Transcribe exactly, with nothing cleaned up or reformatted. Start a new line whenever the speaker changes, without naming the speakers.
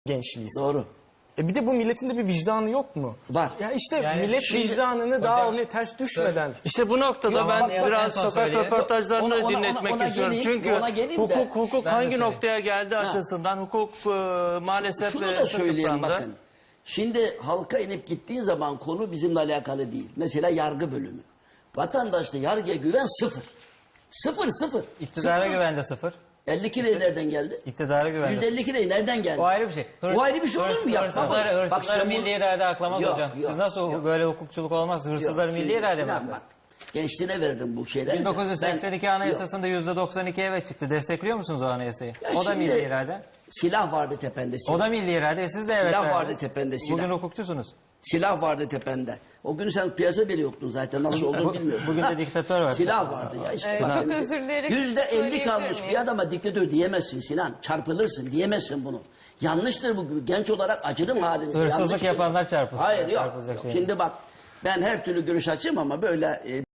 gençliyiz.
Doğru.
E bir de bu milletin de bir vicdanı yok mu?
Var.
Ya işte
Yani
millet
şimdi-
vicdanını daha
Hocam,
oraya ters düşmeden.
İşte bu noktada
Yok,
ben
bak, bak,
biraz
en son
sokak
söyleyeyim.
röportajlarını
Ona- ona-
dinletmek
ona
istiyorum.
geleyim,
Çünkü
ona geleyim de-
hukuk hukuk
Ben de
hangi
söyleyeyim.
noktaya geldi açısından hukuk e, maalesef
Şunu
e,
da söyleyeyim
sıfırlandı.
bakın. Şimdi halka inip gittiğin zaman konu bizimle alakalı değil. Mesela yargı bölümü. Vatandaşta yargıya güven sıfır. Sıfır sıfır.
İktidara
Sıfır.
güvende sıfır.
elli kire nereden geldi?
İktidara güvende
yüz elli kire nereden geldi?
O ayrı bir şey. Hırs-
O ayrı bir şey olur mu?
hırs-
Yapma.
Hırsızları,
Bak,
hırsızları
sen bu-
milli irade aklamaz
Yok,
hocam.
yok,
Siz nasıl
yok.
böyle hukukçuluk olmaz? Hırsızları
Yok,
milli
şimdi
irade mi
Sinan
aklar?
bak, gençliğine verdim bu şeyleri. de.
bin dokuz yüz seksen iki
Ben-
anayasasında yüzde doksan iki evet çıktı. Destekliyor musunuz o anayasayı?
Ya
O da
şimdi-
milli irade.
Silah vardı tepende silah.
O da milli irade. Siz de evet
Silah vardı
verdiniz.
tepende, silah.
Bugün hukukçusunuz.
Silah vardı tepende. O gün sen piyasa bile yoktun zaten. Nasıl olduğunu bilmiyorsun.
Bugün de diktatör var.
Silah vardı ya. işte
Evet,
bak,
çok özür dileyerek
Yüzde elli
söyleyebilir
kalmış
miyim?
bir adama diktatör diyemezsin Sinan. Çarpılırsın diyemezsin bunu. Yanlıştır bu. Genç olarak acırım halinize.
Hırsızlık
Yanlıştır.
yapanlar çarpılsın.
Hayır yok.
Çarpılacak
yok.
şey.
Şimdi bak ben her türlü görüş açayım ama böyle... E,